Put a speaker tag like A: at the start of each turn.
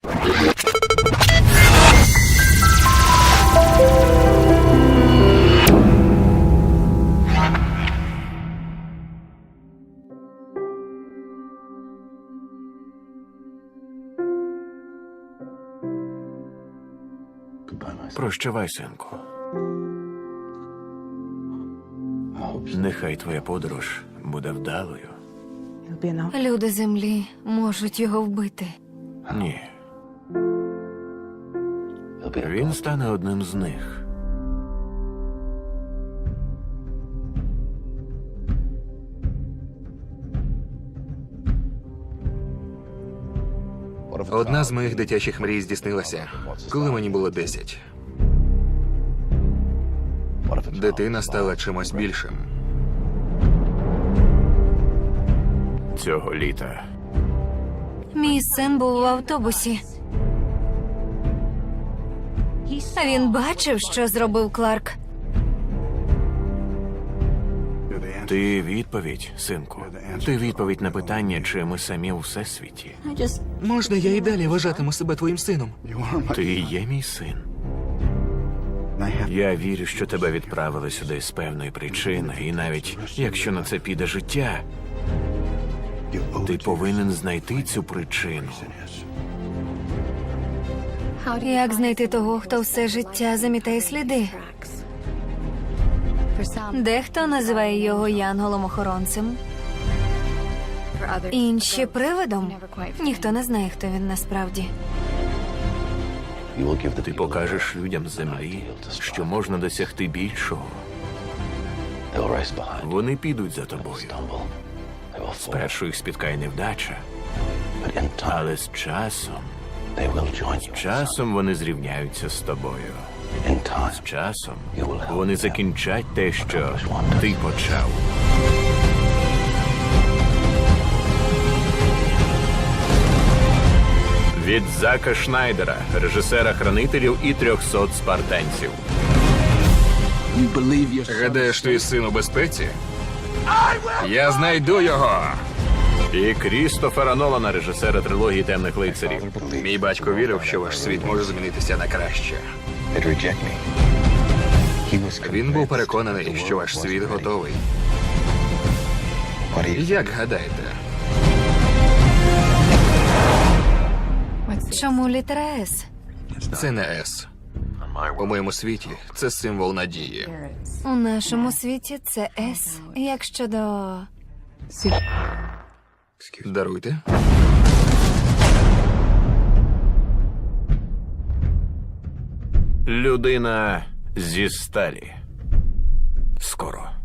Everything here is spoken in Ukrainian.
A: Прощавай, синку. Нехай твоя подорож буде вдалою.
B: Люди землі можуть його вбити.
A: Ні. Він стане одним з них.
C: Одна з моїх дитячих мрій здійснилася, коли мені було 10. Дитина стала чимось більшим.
A: Цього літа
B: Мій син був в автобусі. Він бачив, що зробив Кларк.
A: ти відповідь, синку. Ти відповідь на питання, чи ми самі у всесвіті.
C: Можна я і далі вважатиму себе твоїм сином?
A: Ти і є мій син. Я вірю, що тебе відправили сюди з певної причини, і навіть якщо на це піде життя, ти повинен знайти цю причину.
B: Як знайти того, хто все життя замітає сліди? Дехто називає його янголом-охоронцем, інші привидом. Ніхто не знає, хто він насправді.
A: Ти покажеш людям землі, що можна досягти більшого. Вони підуть за тобою. Спершу їх спіткає невдача, але з часом вони зрівняються з тобою. З часом вони закінчать те, що ти почав. Від Зака Шнайдера, режисера «Хранителів» і 300 спартанців.
C: Гадаєш, твій син у безпеці? Я знайду його!
A: І Крістофера Нолана, режисера трилогії «Темних лицарів».
C: Мій батько вірив, що ваш світ може змінитися на краще. Він був переконаний, що ваш світ готовий. Як гадаєте?
B: Чому літера «С»?
C: Це не С. У моєму світі це символ надії.
B: У нашому світі це «С». Як щодо...
C: Даруйте.
A: Людина зі сталі. Скоро.